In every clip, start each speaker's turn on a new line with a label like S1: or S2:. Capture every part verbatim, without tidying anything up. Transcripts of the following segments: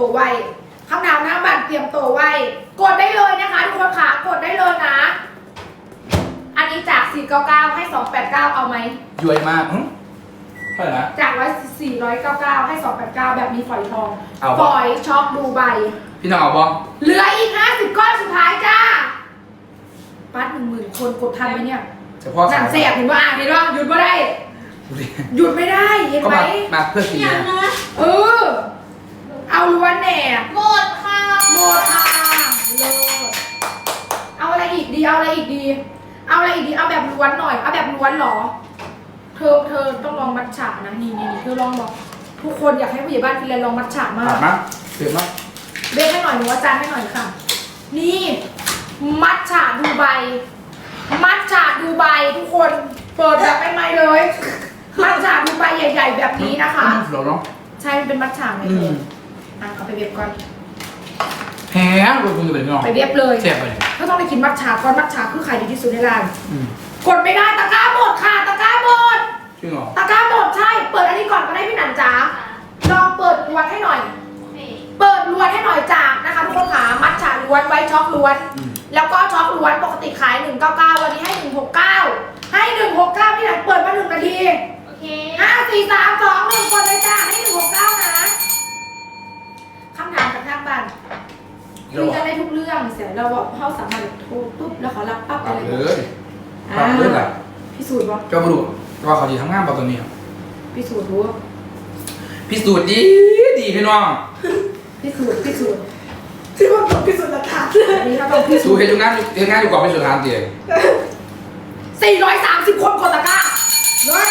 S1: ตัวไว้คำถามหน้าบัตรเตรียมตัวไว้กดได้เลยนะคะทุกคนค่ะกดได้เลยนะอันนี้จากสี่ร้อยเก้าสิบเก้าให้สองร้อยแปดสิบเก้าเอาไหม
S2: ย้วยมากเท่าไหร่นะ
S1: จากสี่ร้อยเก้าสิบเก้าให้สองร้อยแปดสิบเก้าแบบมีฝอยทอง
S2: เอา
S1: ฝอยช็อกดูใบ
S2: พี่น้องเอาบ้อง
S1: เหลืออีกห้าสิบก้อนสุดท้ายจ้าปัดหนึ่งหมื่นคนกดทันไหมเนี่ย
S2: เฉพาะ
S1: หนังเสียบเห็นว่าอ่านเห็นว่าหยุดไม่ได้หยุดไม่ได้เห็นไหม
S2: มาเพื่อสีนะ
S1: เออเอาล้วนแหน่
S3: หมดค่ะ
S1: หมดค่ะเลยเอาอะไรอีกดีเอาอะไรอีกดีเอาอะไรอีกดีเอาแบบล้วนหน่อยเอาแบบล้วนหรอเธอเธอต้องลองมัทฉะนะนี่นี่เธอลองบอกทุกคนอยากให้ผู้ใหญ่บ้านฟินแลนด์ลองมัทฉะมาก
S2: มาเสือมา
S1: เบสให้หน่อยหนูอาจารย์ให้หน่อยค่ะนี่มัทฉะดูใบมัทฉะดูใบทุกคนเปิดแบบใหม่ๆเลยมัทฉะดูใบใหญ่ๆแบบนี้นะคะใช่เป็นมัทฉะเลยเธออ่ะเอาไปเว็บก่อน
S2: แหมคุณคุณจะเป็นน้อง
S1: ไปเว็บเลย
S2: เจ็บเลย
S1: ก็ต้องไปกินมัทฉะก่อนมัทฉะคือขายดีที่สุดในร้านกดไม่ได้ตะกร้าหมดค่ะตะกร้าหมด
S2: จริงเหรอ
S1: ตะกร้าหมดใช่เปิดอันนี้ก่อนก็ได้พี่หนันจ๋าลองเปิดล้วนให้หน่อยเปิดล้วนให้หน่อยจากนะคะทุกคนค่ะมัทฉะล้วนไว้ช็อกล้วนแล้วก็ช็อกล้วนปกติขายหนึ่งร้อยเก้าสิบเก้าวันนี้ให้หนึ่งร้อยหกสิบเก้าให้หนึ่งร้อยหกสิบเก้าพี่หนันเปิดมาหนึ่งนาที
S3: โอเค
S1: ห้าสี่สามสองหนึ่งกดเลยจ้าให้หนึ่งร้อยหกสิบเก้านะคำถามจากทางบ้านคุยกันได้ทุกเรื่องเสียเราบอกเขาสามารถโทรปุ๊บแล้วเขารับปั๊บอะไร
S2: เลยปั๊บเลยแหละ
S1: พิสูจน์ว่า
S2: เจ้าบรูว่าเขาดีทำงานป่ะตัวนี้
S1: พิสูจน์รู้
S2: พิสูจน์ดีดีพี่น้อง
S1: พิสูจน์พิสูจน์ที่ว่าต้องพิสูจน์หลักฐานนี่เขาต้องพิสูจน์
S2: เห็นงานเห็นงานอยู่ก่อนพิสูจน์ทานเตียง
S1: สี่ร้อยสามสิบคนกดตะกร้าเลย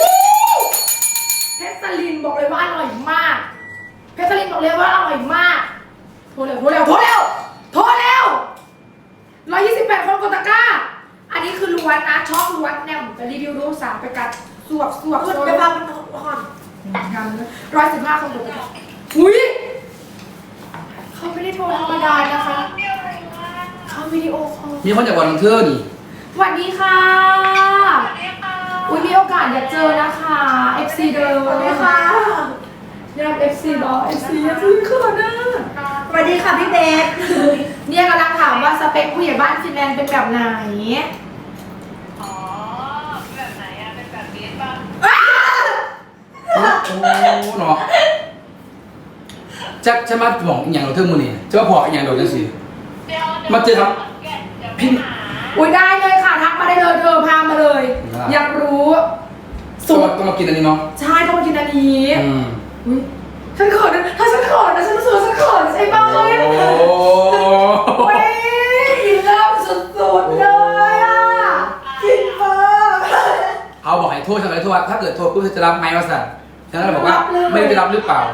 S1: เพชรสลินบอกเลยว่าอร่อยมากเพชรสลินบอกเลยว่าอร่อยมากโทรเร็วโทรเร็วโทรเร็วโทรเร็วร้อยยี่สิบแปดคนกดตะกร้าอันนี้คือล้วนนะช็อกล้วนแนวไปรีวิวดูสามไปกัดสวบสวบไปพาเป็นห่อนยังร้อยสิบห้าคนกดตะกร้าอุ้ยเขาไม่ได้โทรธรรมดานะคะเขาวิดีโอคอล
S2: มีคนจากวันเทอร์นี่
S1: สวัสดีค่ะอุ้ยมีโอกาสอยากเจอนะคะ เอฟ ซี เดิมสวัสดีค่ะอยาก เอฟ ซี บอ เอฟ ซี อยากซื้อเครื่องนะ
S3: สวัสดีค่ะพี่เบส
S1: เนี่ยกำลังถามว่าสเปคผู้ใหญ่บ้านฟินแลนด์เป็นแบบไหน
S3: อ๋อแบบไหนอะเป็นแบบเบสป่ะ
S2: โอ้เนาะจะจะมาบอกอย่างเราเท่ามือนี่จะมาพออย่างเราจังสิมาเจอครับพี่
S1: อุ้ยได้เลยค่ะทักมาได้เลยเธอพามาเลยอยากรู้
S2: สูตรต้องมากินอันนี้เนาะ
S1: ใช่ต้องมากินอันนี้อุ้ยฉันเขินนะถ้าฉันเขินนะฉันรู้สึกฉันเขินใช่ไหมโอ้ยกินเริ่มสุดๆเลยอ่ะกินเบอร์
S2: เขาบอกให้โทษทำไมโทษถ้าเกิดโทษปุ๊บจะรับไหมวะสันฉันก็เลยบอกว่าไม่ได้รับหรือเปล่า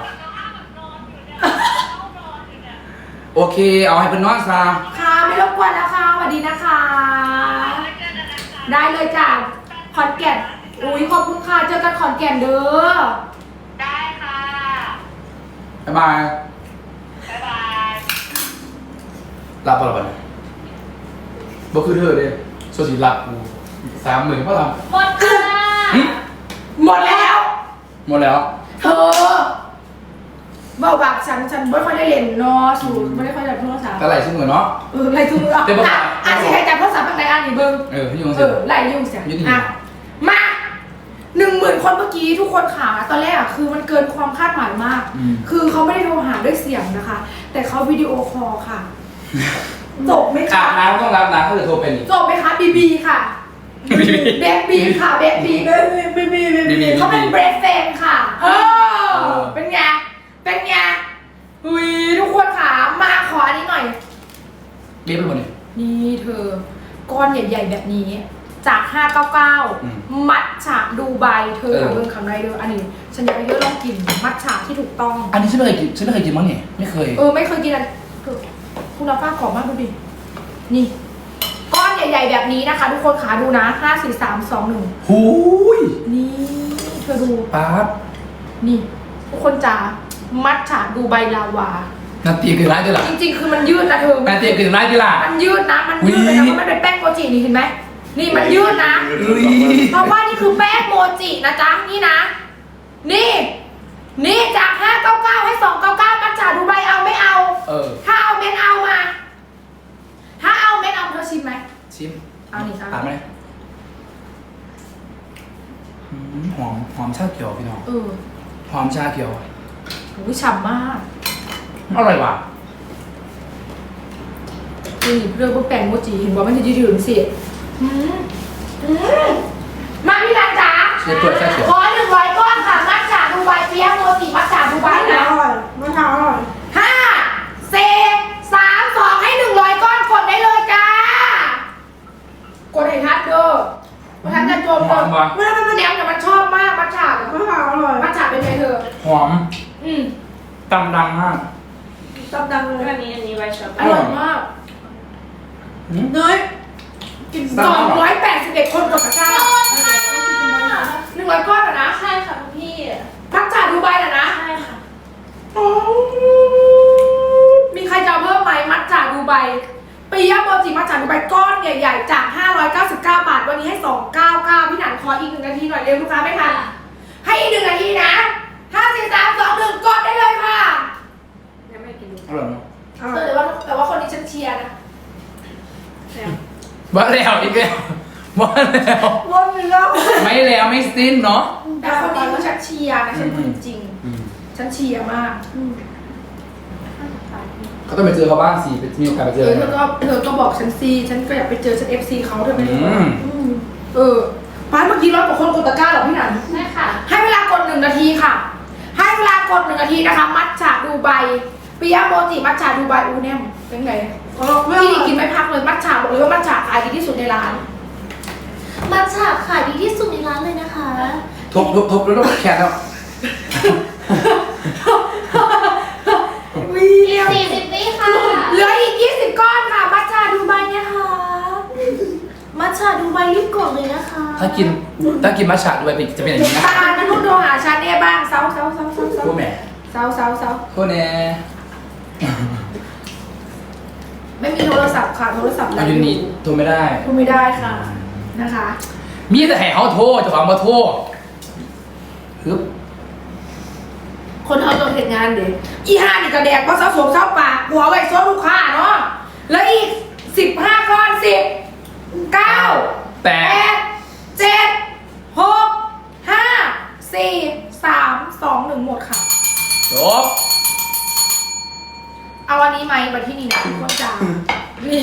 S2: โอเคเอาให้เป็นน้องซา
S1: ค่ะไม่รบกวนแล้วค่ะสวัสดีนะคะได้เลยจ้ะขอนแก่นอุ้ยขอบคุณค่ะเจอกันขอนแก่นเด้อ
S3: ได้ค่ะ
S2: บ๊ายบาย
S3: บ๊ายบาย
S2: รับอะไรบ้างบ่คือเธอเลยโซสีหลับกูสามหมื่นก็ท
S3: ำหมดค่ะ
S1: หมดแล้ว
S2: หมดแล้ว
S1: เธอเบาบักฉันฉันไม่ค่อยได้เล่นเนาะสูไม่ได้ค่อยได้โทรศัพท์
S2: แต่ไหลชุ่มเหมือนเนาะ
S1: เออไหลชุ่มอ่ะอ่ะสิใครจับโทรศัพท์อะไรอ่ะนี่เบิ้ง
S2: เออพี่ยุ่ง
S1: เออไหลยุ่งเสียอ่ะมาหนึ่งหมื่นคนเมื่อกี้ทุกคนขาตอนแรกอ่ะคือมันเกินความคาดหมายมากคือเขาไม่ได้โทรหาด้วยเสียงนะคะแต่เขาวิดีโอคอลค่ะจบไหมคะ
S2: น้ำต้องรับนะถ้าเกิดโทรเป็น
S1: จบไหมคะบีบีค่ะเบสบีค่ะเบสบีเบสบีบีเขาเป็นเบรดเฟนค่ะเออเป็นไงเป็นไงอุ้ยทุกคนค่ะมาขออันนี้หน่อย
S2: เรียบไปหมดเลย
S1: นี่เธอก้อนใหญ่ๆแบบนี้จากห้าร้อยเก้าสิบเก้ามัทฉะดูใบเธอทำเรื่องคำไรเด้ออันนี้ฉันอยากให้เธอลองกินมัทฉะที่ถูกต้อง
S2: อันนี้ฉันไม่เคยกินฉันไม่เคยกินมั้งเนี่ยไม่เคย
S1: เออไม่เคยกินอันคุณรับฟ้าขอมากดูดินี่ก้อนใหญ่ๆแบบนี้นะคะทุกคนขาดูนะห้าสี่สามสองหนึ่ง
S2: หูย
S1: นี่เธอดู
S2: ปั๊บ
S1: นี่ทุกคนจ๋ามัทฉะดูใบลาวา
S2: นาตีคือร้ายด้วยล่ะ
S1: จริงๆคือมันยืดนะเธอ
S2: นาตีคือร้ายด้วยล่ะ
S1: มันยืดนะมันยืดเลยนะเพราะมันเป็นแป้งโมจินี่เห็นไหมนี่มันยืดนะเพราะว่านี่คือแป้งโมจินะจ๊ะนี่นะนี่นี่จากห้าเก้าเก้าให้สองเก้าเก้ามัจฉาดูใบเอาไม่เอา
S2: เออ
S1: ถ้าเอาเม็ดเอามา ถ้าเอาเม็ดเอาเธอชิมไหม
S2: ชิม
S1: เอานี่เอา
S2: ถามไหมอืมหอมหอมชาเขียวพี่น้อง
S1: เออ
S2: หอมชาเขียว
S1: โอ้ยฉ่ำมาก
S2: อร่อยว่ะ
S1: นี่เรื่องพวกแป้งโมจิเห็นบอกมันจะยืดๆสิอืมอืมมาพี่นันจ๋า
S2: เชียร์ตัวชาเขียว
S1: ขอหนึ่งร้อยก้อนค่ะมัจฉาดูใบเปี๊ยะโมจิมัจฉาดูใบนะ
S4: อร่อยมะพร้าวอร่อย
S1: ห้าสี่สามสองให้หนึ่งร้อยก้อนกดได้เลยจ้า กดให้ทัดเด้อมาทัดจะโจม
S2: หอมว่ะ
S1: เมื่อมันมันแนวแต่มันชอบมากมัจฉาเนี่ย
S4: มะพร้าวอร่อย
S1: มัจฉาเป็นไงเธอ
S2: หอม
S1: อืม
S2: ตำดังมาก
S4: ตับดังเลย
S3: อันนี้อันนี้ไวท์ช็อกโก
S1: อ
S3: แล
S1: ร่อ
S3: ต
S1: ยมาก
S2: อืม
S4: เนย
S1: กินสองร้อยแปดสิบเอ็ดคนกดตะกร้าหนึ่งร้อยก้อนเหรอนะ
S3: ใช่ค่ะคุณพี่
S1: มัจฉาดูใบเหรอนะ
S3: ใช่ค่ะ
S1: อ๋อมีใครจะเอาเพิ่มไหมมัจฉาดูใบปียะโมจิมัจฉาดูใบก้อนใหญ่ๆจากห้าร้อยเก้าสิบเก้าบาทวันนี้ให้สองร้อยเก้าสิบเก้าพี่หนันขออีกหนึ่งนาทีหน่อยเร็วลูกค้าไม่ทันให้อีกหนึ่งนาทีนะห้าสี่สามสองหนึ่งกดได้เลยค่ะ
S3: ยังไม่กินดู
S2: อร่อยเนาะ
S4: อร่
S1: เอ
S4: อ
S1: อย แต่ว่าแต่ว่าคนนี้ฉันเชียร์นะ
S2: ว่าแล้วอีกแล้วว่าแล้ว
S4: วนอีกแล้ว
S2: ไม่แล้วไม่สิ้นเนาะ
S1: แต่คนนี้คือฉันเชียร์นะฉันพูดจริง
S2: อืม
S1: ๆฉันเชียร์มาก
S2: เขาต้องไปเจอเขาบ้างสิไปมีโอกาสไปเจ
S1: เอ
S2: อ
S1: อเธอก็เธอก็บอกฉันซีฉันก็อยากไปเจอฉันเอฟซีเขาเธอไม่ได้บอก
S2: อืม
S1: อืมเออป้าเมื่อกี้ร้อยกว่าคนกดตะกร้าเหรอพี่หนัน
S3: ใช่ค่ะ
S1: ให้เวลากดหนึ่งนาทีค่ะ ให้เวลากดหนึ่งนาทีนะคะ มัทฉะดูไบปิยะโมจิมัทฉะดูไบอูแนมเป็นไง
S4: อร่อยไม่อ
S1: พี่
S4: ร่อย
S1: กินไม่พักเลยมัทฉะบอกเลยว่ามัทฉะขายดีที่สุดในร้าน
S5: มัทฉะขายดีที่สุดในร้านเลยนะคะ
S2: ทุบทุบทุบแล้วต้องแขนแล้ว
S1: วี
S5: อี
S1: เนี
S5: ก
S1: ย
S5: สี่สิบวิค่ะ
S1: เหลืออีกยี่สิบก้อนค่ะ มัทฉะดูไบเนี่ยค่ะ
S5: มัทฉะดูใบรีบกดเลยนะคะ
S2: ถ้ากินถ้ากินมัทฉะด้วยจะเป็นอย่างนี้นะ
S1: ตาลนุ่นโทรหาฉันเนี่ยบ้างเซาเซาเซาเซาเซา
S2: พูดแหม่
S1: เซาเซาเซา
S2: พูดแน่
S1: ไม่มีโทรศัพท์ค่ะโทรศัพท์
S2: อายุนี้โทรไม่ได้
S1: พูดไม่ได้ค่ะนะคะ
S2: มีแต่ให้เขาโทรเจ้าของมาโทรฮึบ
S1: คนเขาต้องเห็นงานเด็กอีห้านี่กระแดกเพราะเสาสวมเสาปากหัวไว้ซ้อนลูกค้าเนาะแล้วอีกสิบห้าก้อนสิบเก้า
S2: แป
S1: แป
S2: ด
S1: ดเจ็ดหกห้าสี่สามสองหนึ่งหมดค่ะ
S2: จบ
S1: เอาอันนี้ไหมมาที่นี่นะทุกคนจ้านี่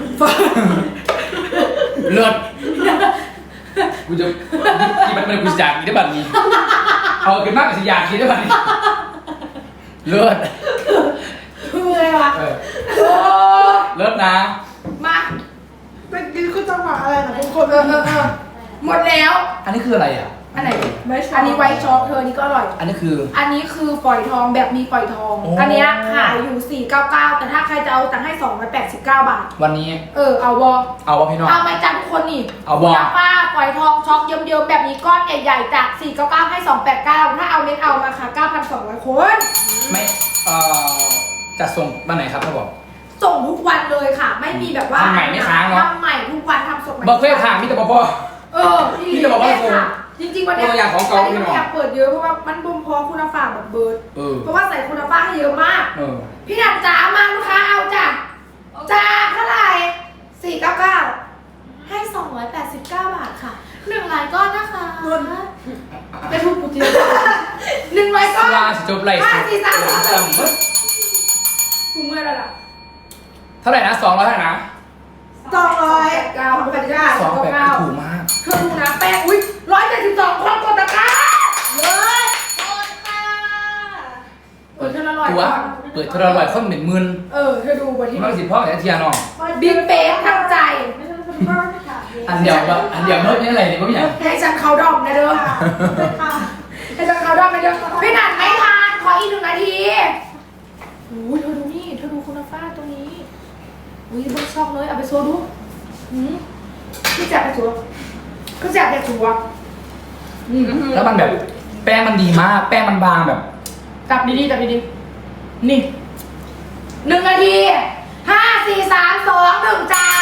S2: เลิศกูจะกินมันมันกูจะอยากกินได้แบบนี้ เอากินมากกว่าสิอยากกินได้แบบนี้ เลิศ
S1: คืออะไรวะ
S2: เออ
S1: โอ้
S2: เลิศนะ
S1: มา
S4: เป็นกินคือจังหวะอะไรนะทุกคน
S1: เออเออเออหมดแล้ว
S2: อันนี้คืออะไรอ่ะ
S1: อันไหน
S4: ไม่ชอบ
S1: อันนี้ไวท์ช็อกเธออันนี้ก็อร่อย
S2: อันนี้คือ
S1: อันนี้คือฝอยทองแบบมีฝอยทอง
S2: โอ้
S1: อันเนี้ยขายอยู่สี่เก้าเก้าแต่ถ้าใครจะเอาตังค์ให้สองร้อยแปดสิบเก้าบาท
S2: วันนี้
S1: เออ เอาวอ
S2: เอาวะพี่น้อง
S1: เอาไหมจ้าทุกคนนี่
S2: เอาวะ
S1: น้ำป้าฝอยทองช็อกเยิ้มๆแบบนี้ก้อนใหญ่ๆจากสี่เก้าเก้าให้สองแปดเก้าถ้าเอาเม็ดเอามาค่ะเก้าพันสองร้อยคน
S2: ไม่เอ่อจะส่งวันไหนครับเขาบอก
S1: ส่งทุกวันเลยค่ะ ไม่มีแบบว่า
S2: ทำใหม่ไม่ค้างเนอะ
S1: ทำใหม่ทุกวันทำสดใหม่
S2: บอกเพื่อทางมิตรบอ
S1: เออ
S2: พี่จะบอกว่า
S1: แม่ค่ะจริงๆวันเนี้
S2: ตัวอย่างของเก่า
S1: อันนี้
S2: พี่
S1: ไม่
S2: น้อง
S1: อยากเปิดเยอะเพราะว่ามันบ่มเพอคุณภาพแบบเบิร์ด
S2: เออ
S1: เพราะว่าใส่คุณภาพให้เยอะมาก
S2: เออ
S1: พี่หนันจ๋ามาลูกค้าเอาจ้ะจ้าเท่าไหร่สี่เก้าเก้า
S5: ให้สองร้อยแปดสิบเก้าบาทค่ะหนึ่งรายก้อนนะคะ
S1: ไม่พูดกูจริงหนึ่งร้อยก้อน
S2: ลาสิจบไร
S1: ห้าสี่สามสอง
S2: จำเบิด
S1: กูเมื่อยแล้วล่ะ
S2: เท่าไหร่นะสองร้อยเท่าไหร่นะ
S4: สองร้อย
S1: เก้าแปดเก้า
S2: สองแปด
S1: เก้า
S2: ถูกมาก
S1: เธอดูนะแป้งอุ้ยร้อยเจ็ดสิบสองคนกดตะกร้า
S5: เลิศกดค่ะ
S1: เปิดเธอละร้อย
S2: ตัว เปิดเท่าไหร่คนเป็นหมื่น
S1: เออเธอดูบนที่
S2: มันสิพ่อแต่เทียน้อง
S1: บิ๊กเป๊กทั้งใจ
S2: อันเดียวแบบอันเดียวเมื่อนี้อะไรเนี่ยไม่อยาก
S1: ให้ฉันเขาดอมนะเด้อให้ฉันเขาดอมนะเด้อพี่หนันไม่ทานขออีกหนึ่งนาทีโอ้ยเธอดูนี่เธอดูคุณภาพตรงนี้อุ้ยเบิร์ชอบเลยเอาไปโซดูหืมพี่แจกไปสัวพี่แจกไปสัวอืม
S2: แล้วมันแบบ แป้งมันดีมาก แป้งมันบางแบบ
S1: จับดีๆจับดีๆนี่หนึ่งนาทีห้าสี่สามสองหนึ่งจ้า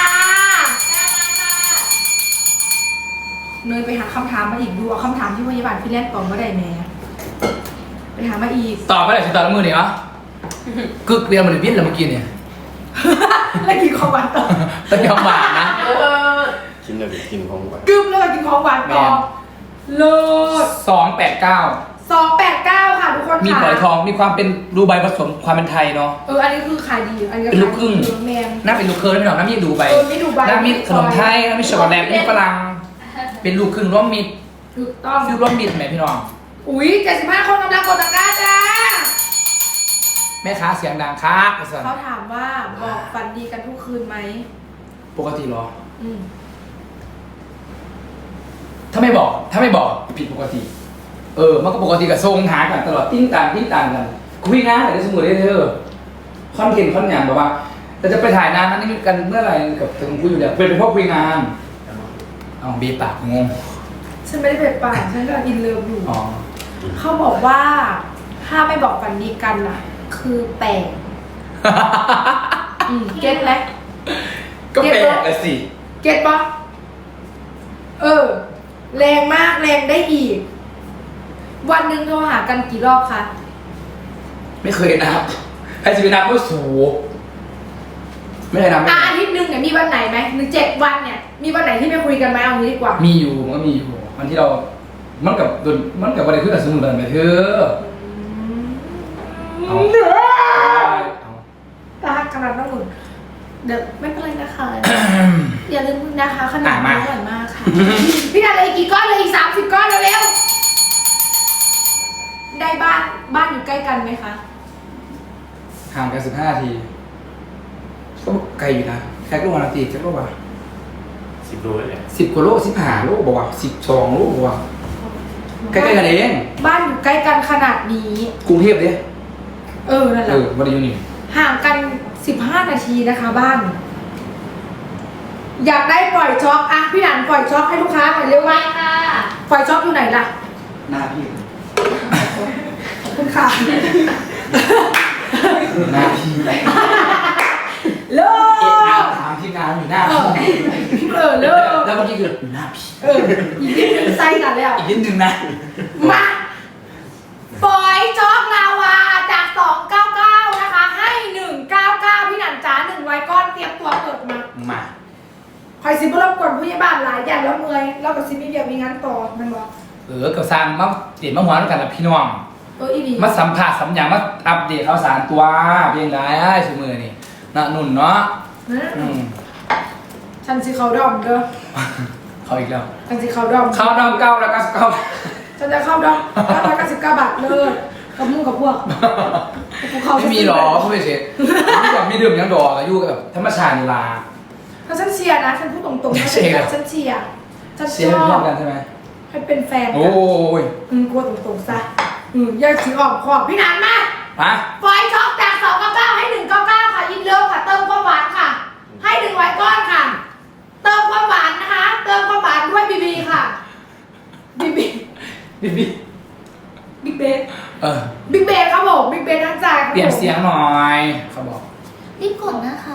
S1: เนยไปหาคำถามมาอีกดูเอาคำถามที่พยาบาลพี่แรกตอบมาได้แม่ไปหามาอีก
S2: ตอบไปเลยสิตอบแล้วมือเนี่ยเหรอคือเรียนมันเลยพิษแล้วเมื่อกี้เนี่ย
S1: แล้วกินของหวานต่อ
S2: ตะยอมหวานนะ
S6: กินอะไรกินของหวาน
S1: กึมแล้วก็กินของหวานต่อ
S2: แม่
S1: เลิศ
S2: สองแปดเก้า
S1: สองแปดเก้าค่ะทุกคน
S2: มี
S1: ค่ะ
S2: ฝอยทองมีความเป็นดูใบผสมความเป็นไทยเนาะ
S1: เอออันนี้คือขายดีอันนี้ก็
S2: เป็นลูกครึ่ง
S1: ขายดีแมน
S2: น่าเป็นลูกเคยไม่หรอกน้ำมีดูใบ
S1: เออมีดูใบ
S2: น้ำมีขนมไทยน้ำมีช็อกโกแลตมีฝรั่งเป็นลูกครึ่งร่วมมิตร
S1: ถูกต้อง
S2: ฟิวร่วมมิตรไหมพี่น้อง
S1: อุ้ยเจ็ดสิบห้าคนกำลังกดตะกร้าจ้า
S2: แม่ค้าเสียงดังครับภาษา
S1: เขาถามว่าบอกฝันดีกันทุกคืนไหม
S2: ปกติเหรอ
S1: อืม
S2: ถ้าไม่บอก ถ้าไม่บอกผิดปกติ เออ มันก็ปกติกับทรงหากันตลอดติ้งต่างติ้งต่างกันคุยงานแต่สมมติได้เธอคอนเทนต์คอนอย่างแบบว่าแต่จะไปถ่ายนานนั้นนี่กันเมื่อไหร่กับถึงคุยอยู่แล้วเป็นเป็นพวกคุยงานเอาบีปากงง
S1: ฉันไม่ได้เปิดปากฉันกำลังอินเลิฟอยู่
S2: อ๋อ
S1: เขาบอกว่าถ้าไม่บอกฝันดีกันน่ะ คือแปลกอืมเก็ตไหม
S2: ก็แปลกอะสิ
S1: เก็ตปะเออ แรงมากแรงได้อีก วันหนึ่งโทรหากันกี่รอบคะ
S2: ไม่เคยนับใครจะไปนับว่าสูไม่เคยนับไม่
S1: อ่ะ
S2: เค
S1: อาย ทิตย์หนึ่งเนี่ยมีวันไหนไหมหนึ่งเจ็ดวันเนี่ย มีวันไหนที่ไม่คุยกันไหมเอางี้ดีกว่า
S2: มีอยู่มันก็มีอยู่วันที่เรา มันกับโดนมันกับวันใดขึ้นกับสมุนไพรไปเถอะเอา
S1: เด้อ
S2: เอา
S1: ตาขนาดนั้นหนุนเดี๋ยวไม่เป็นไรนะคะ อย่าลืมนะคะขนมอร่อยมากค่ะ พี่นันเลยอีกกี่ก้อนเลยอีกสามสิบก้อนเร็วๆได้บ้านบ้านอยู่ใกล้กันไหมคะ
S2: ห่างกันสิบห้านาทีก็ไกลอยู่นะแค่ลูกวันละตีแค่ลูกว่า
S6: สิบโลเลยเนี่ย
S2: สิบกว่าโลสิบห้าโลบอกว่าสิบสองโลบอกว่าใกล้ๆกันเอง
S1: บ้านอยู่ใกล้กันขนาดนี้
S2: กรุงเทพเนี่ย
S1: เออนั่นแห
S2: เอ
S1: ละ
S2: อวันเดียวนี่
S1: ห่างกันสิบห้านาทีนะคะบ้าน อยากได้ปล่อยช็อกอ่ะพี่หนันปล่อยช็อกให้ลูกค้าหน่อยเร็ว
S5: ไป
S1: ว่า
S5: ค่ะ
S1: ปล่อยช็อกอยู่ไหนล่ะ
S2: หน้าพี่
S1: ขอบคุณค่ะ
S2: หน้าพี่
S1: เลิ
S2: เอ๊ะ
S1: ก
S2: ถามทีมงานอยู่หน้า
S1: เอ
S2: พี่
S1: อเออเลิก
S2: แล้วเมื่อกี้คือหน้าพี่
S1: เอออีกนิดนึงไส้กันแล้ว
S2: อีกนิดนึงนะ
S1: มาฝอยจ๊อกลาวาจากสองเก้าเก้านะคะ ให้หนึ่งเก้าเก้าพี่หนันจ๋าหนึ่งร้อยก้อนเตรียมตัวเปิดมา
S2: มา
S1: คอยซิบรบกวนผู้ใหญ่บ้านหลายอย่างแล้วเมื่อยแล้วก็ซิมีเดียวมีงานต่อมันบอก
S2: เออกับสร้างมาเด็ดมาหัวแล้วกันนะพี่น้อง
S1: เอออีดี
S2: มาสัมผัสสัมอย่างมาอัปเดตข่าวสารตัวเพียงไรไอ้สมือนี่นะนุ่นเนาะ
S1: นะ
S2: อืม
S1: ฉันสิเขาดอมเด้อ
S2: เขาอีกแล้ว
S1: ฉันสิเขาดอม
S2: เข้าดอมเก้าแล้วก็เก้า
S1: ฉันจะเข้าดอมเก้าร้อยเก้าสิบเก้าบาทเลยกับมุ่งกับพวกกูเข้า
S2: ไม่มีหรอผู้เป็นเชฟไม่อยากมีดื่มยังดอกอายุแบบธรรมชาตินี่ลา
S1: ถ้าฉันเชียร์นะฉันพูดตรงๆนะ
S2: เชียร์เหรอ
S1: ฉันเชียร์ฉัน
S2: เชี
S1: ช
S2: ยร์
S1: อ
S2: เป็นเพื่
S1: บ
S2: อนกันใช่ไหม
S1: ให้เป็นแฟน
S2: โอ้
S1: กัน
S2: ย
S1: อืมกลัวตรงๆซะอืมอยากสีออกขอบพี่นันมา
S2: ฮะ
S1: ฟอยช็อกจากสองเก้าเก้าให้หนึ่งเก้าเก้าค่ะยินเลิฟค่ะ เติมความหวานค่ะ ให้หนึ่งร้อยก้อนค่ะ เติมความหวานนะคะ เติมความหวานด้วยบีบีค่ะบีบี
S2: บิ๊กบิ๊ก
S1: บิ๊กเบส
S2: เออ
S1: บิ๊กเบสครับผมบิ๊กเบสทั้งใจครับผม
S2: เปลี่ยนเสียงหน่อยเขาบอก
S5: รีบกดนะคะ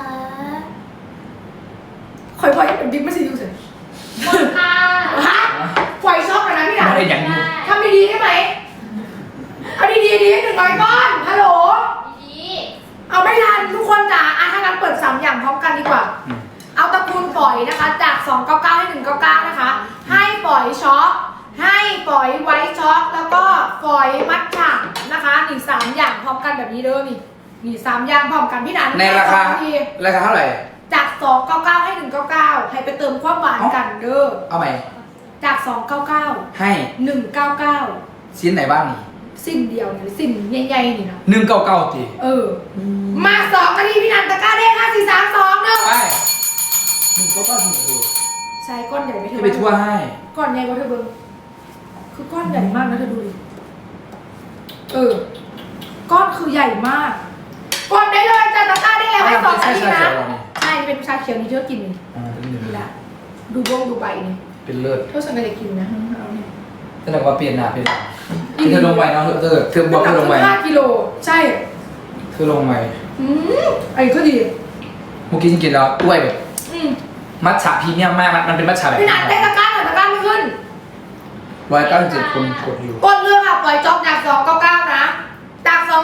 S1: คอยพอยเป็นบิ๊กไม่ใช่ยูเฉย
S5: กดค่ะ
S1: ฮะฟอยช็อกกันนะพี่หนัน
S2: ไม่ได้อย่างอยู่
S1: ทำดีๆได้ไหมเอาดีๆดีหนึ่งร้อยก้อนฮัลโหล
S5: ดี
S1: เอาไม่ทันทุกคนจ๋าอ่ะถ้างั้นเปิดสามอย่างพร้อมกันดีกว่า
S2: อืม
S1: เอาตระกูลฝอยนะคะ จากสองเก้าเก้าให้หนึ่งเก้าเก้านะคะ ให้ฝอยช็อกให้ฝอยไวท์ช็อกแล้วก็ฝอยมัทฉะนะคะนี่สามอย่างพร้อมกันแบบนี้เด้อนี่นี่สามอย่างพร้อมกันพี่นัน
S2: ในราคา
S1: สองที
S2: ราคาเท่าไหร่
S1: จากสองเก้าเก้าให้หนึ่งเก้าเก้าให้ไปเติมความหวานกันเด้อ
S2: เอาใหม่
S1: จากสองเก้าเก้า
S2: ให้
S1: หนึ่งเก้าเก้า
S2: ชิ้นไหนบ้างนี่
S1: สิ้นเดียวนี่สิ้นใหญ่ๆนี่นะ
S2: หนึ่งเก้าเก้าตี
S1: เออ มาสองนาทีพี่นันตะกร้าเด้งห้าสี่สามสองเด้อ
S2: ไปหนึ่งเก้าเก้าถึงเออ
S1: ใช้ก้อนใหญ่ไหมเธ
S2: ให้
S1: อ
S2: ไปทั่วให้
S1: ก้อนใหญ่กว่าเธอเบิ้งคือก้อนใหญ่มากนะเธอดูดิเออ ก้อนคือใหญ่มากกดได้เลยจ้าตะกร้าได้แล้วให้สองนาทีนะใช่เป็นชาเขียวนี่เธอกินนี่
S2: อ่าเป็นหนึ่ง
S1: นี่แหละดูบงดูใบนี่
S2: เป็นเลิศ
S1: เธอสังเกตกินนะเอาเนี่ย
S2: แสดงว่าเปลี่ยนหน้าเปลี่ยนหลังเธอลงไปเนาะเธอเธอบวกเธอลงไป
S1: ห้ากิโลใช่
S2: เธอลงไป
S1: อืมไอ้ก็ดี
S2: เมื่อกี้ฉันกินแล้วกล้วยแบบ
S1: อืม
S2: มัทฉะพรีเมียมมากมันมันเป็นมัทฉะแบบ
S1: พี่นันได้ตะกร้าหน่อยตะกร้าไม่ขึ้น
S2: ร้อยเก้าสิบเจ็ดคนกดอยู่
S1: กดเรื่องค่ะปล่อยจ็อกจากสองเก้าเก้านะ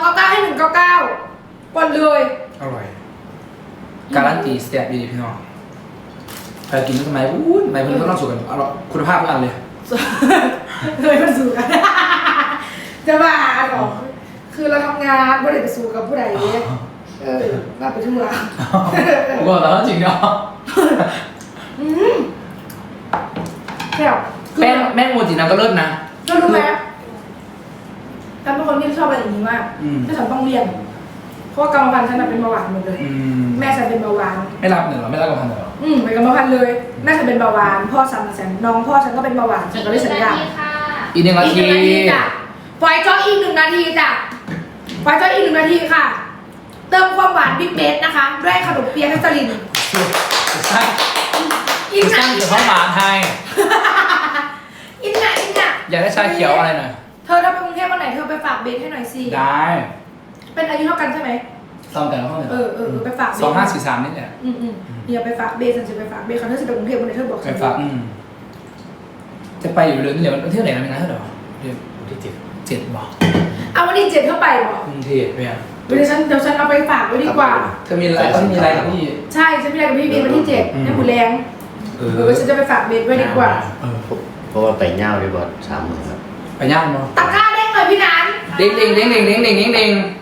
S1: เก้าให้หนึ่งเก้าเก้ากดเลย
S2: อร่อย การันตีสเต็ปดีพี่น้องใครกินทำไมอู้ทำไมเพื่อนก็ต้องสูตรกันอร่อยคุณภาพทุกอันเลย
S1: เลยมันสู้กัน จะบ้าหรอคือเราทำงานไม่ได้ไปสู้กับผู้ใดเออมาไปทั่ว
S2: ผมบอกแล้วจริงเนาะ
S1: อืมแค่
S2: แป้งแม่งโมจินะก็เลิศนะ
S1: ก็รู้ไหมฉันเป็นคนที่ชอบอะไรอย่างนี้มาก
S2: อืม
S1: ถ้าฉันต้องเรียน เพราะว่ากรรมพันธุ์ฉันน่ะเป็นเบาหวานหมดเลย
S2: อืม
S1: แม่ฉันเป็นเบาหวาน
S2: ไม่รับเหรอไม่รับกับพันเหรอ
S1: อืมเป็นกรรมพันธุ์เลย แม่ฉันเป็นเบาหวาน พ่อฉันน่ะฉันน้องพ่อฉันก็เป็นเบาหวาน ฉันก็เลยสัญญา
S3: ค่ะ
S2: อีกหนึ่งนา
S1: อีกห
S2: ที
S1: นึ่งนาทีจ้ะปล่อยจออีกหนึ่งนาทีจ้ะปล่อยจออีกหนึ่งนาทีค่ะ เติมความหวานบิ๊กเบสนะคะด้วยขนมเปี๊ยะนัสลิน
S2: สร้าง
S1: อิน
S2: ส
S1: น่ะ
S2: ร้าง
S1: อิ
S2: เกี่ย
S1: น
S2: วข้าวห
S1: น่ะ
S2: วานไทย
S1: อินน่ะอินน่ะ
S2: อยากได้ชาเขียวอะไรหน่อย
S1: เธอถ้าไปกรุงเทพวันไหนเธอไปฝากเบสให้หน่อยสิ
S2: ได้
S1: เป็นอายุเท่ากันใช่ไหม
S2: ซ้อมแต่ละห้องเลย
S1: เออเออเออไปฝากเบส
S2: สองห้าสี่สามนี่แหละ
S1: อืมอืมเดี๋ยวไปฝากเบสฉันจะไปฝากเบสเขาเธอจะไปกรุงเทพวันไหนเธอบอก
S2: ไป
S1: ฉัน
S2: ฝากอืมจะไปอยู่เดือนนี้เดี๋ยวมันเที่ยวไหนกันนะเท่าไหร่เดือน
S6: วันที่เจ็ด
S2: เจ็ดบอก
S1: เอาวันที่เจ็ดเข้าไปบอก
S2: กรุงเทพเนี่ย
S1: เดี๋ยวฉันเดี๋ยวฉันเอาไปฝากไว้ดีกว่า
S2: เธอมีอะไรต้องมีอะไรกับพี่
S1: ใช่ฉันไม่ได้กับพี่เบสวันที่เจ็ด
S2: อืม
S1: ในบุแรง
S2: เอ
S1: เออฉันจะไปฝากเบสไว้ดีกว่า
S2: เออ
S6: เพราะว่าไปเง่าได้บอดสามหมื่นครับ
S2: ไปย่างเนาะ
S1: ตะกร้าเด้งเลยพี่นัน
S2: เด้งเด้งเด้งเด้งเด้งเด้งเด้งเด้ง